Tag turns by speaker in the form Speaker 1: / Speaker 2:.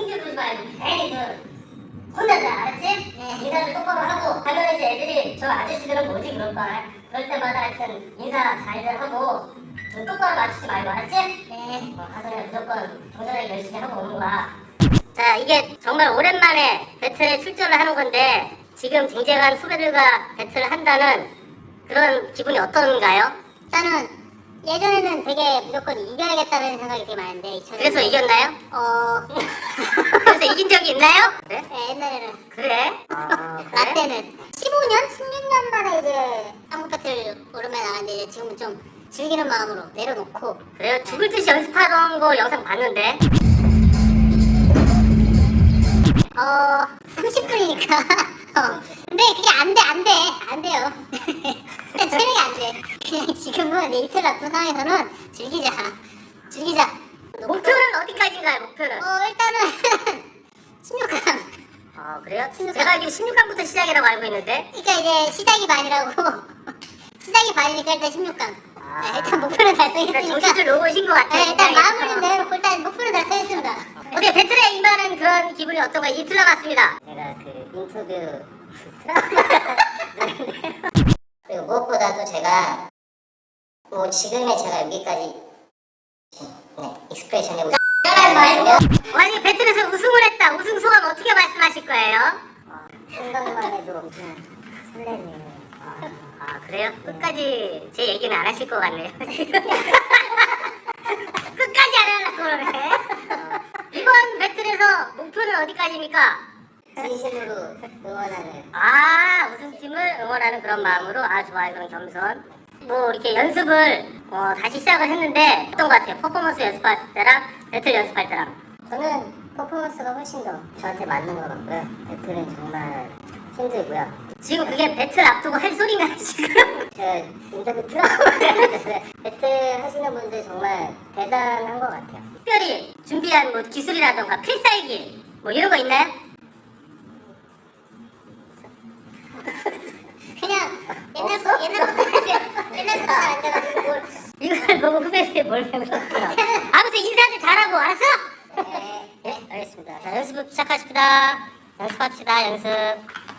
Speaker 1: 승질 부리지 말고 괜히 혼난다, 알았지? 네. 인사를 똑바로 하고 하면 이제 애들이 저 아저씨들은 뭐지 그럴 거야. 그럴 때마다 하여튼 인사 잘들 하고 눈 똑바로 맞추지 말고, 알았지? 네. 가서 그냥 무조건 정전하게 열심히 하고 오는 거야. 자, 이게 정말 오랜만에 배틀에 출전을 하는 건데 지금 쟁쟁한 후배들과 배틀을 한다는 그런 기분이 어떤가요?
Speaker 2: 일단은 예전에는 되게 무조건 이겨야겠다는 생각이 되게 많은데
Speaker 1: 그래서 이겼나요? 그래서 이긴 적이 있나요? 그래?
Speaker 2: 네, 옛날에는
Speaker 1: 그래?
Speaker 2: 나 때는 15년? 16년 만에 이제 한국 배틀 오랜만에 나갔는데 이제 지금은 좀 즐기는 마음으로 내려놓고
Speaker 1: 그래요? 죽을 듯이 연습하던 거 영상 봤는데
Speaker 2: 30분이니까 근데 그게 안 돼요 그냥 체력이 안돼 그냥 지금은 이틀 앞둔 상황에서는 즐기자
Speaker 1: 목표는 어디까지인가요? 목표는?
Speaker 2: 일단은 16강
Speaker 1: 그래요? 제가 알기로 16강부터 시작이라고 알고 있는데
Speaker 2: 그러니까 이제 시작이 반이라고 시작이 반이니까 일단 16강 일단 목표는 달성했으니까
Speaker 1: 정신줄 놓으신 것 같아요.
Speaker 2: 네, 일단 마음을 좀 내려놓고 일단 목표는 달성했습니다.
Speaker 1: 어떻게 배틀에 임하는 그런 기분이 어떤가요? 이틀 남았습니다. 제가 그 인터뷰 그리고 무엇보다도 제가 뭐 지금의 제가 여기까지 익스프레션에 만약에 배틀에서 우승을 했다. 우승 소감 어떻게 말씀하실 거예요? 생각만 해도 설레네요. 그래요? 끝까지 제 얘기는 안 하실 것 같네요. 끝까지 안 하려고 그러네. 이번 배틀에서 목표는 어디까지입니까? 진심으로 응원하는. 우승팀을 응원하는 그런 마음으로. 좋아요. 그런 겸손. 뭐 이렇게 연습을 다시 시작을 했는데 어떤 것 같아요? 퍼포먼스 연습할 때랑 배틀 연습할 때랑. 저는 퍼포먼스가 훨씬 더 저한테 맞는 것 같고요. 배틀은 정말 힘들고요. 지금 그게 배틀 앞두고 할 소리가 지금 인터뷰 들어봤는데 배틀 하시는 분들 정말 대단한 것 같아요. 특별히 준비한 뭐 기술이라던가 필살기 뭐 이런 거 있나요?
Speaker 2: 그냥 옛날부터 안 돼가지고 뭘
Speaker 1: 이걸 보고 후배들이 뭘 배우셨어요? 아무튼 인사들 잘하고 알았어? 네, 알겠습니다. 자, 연습 시작하십시다. 연습합시다, 연습.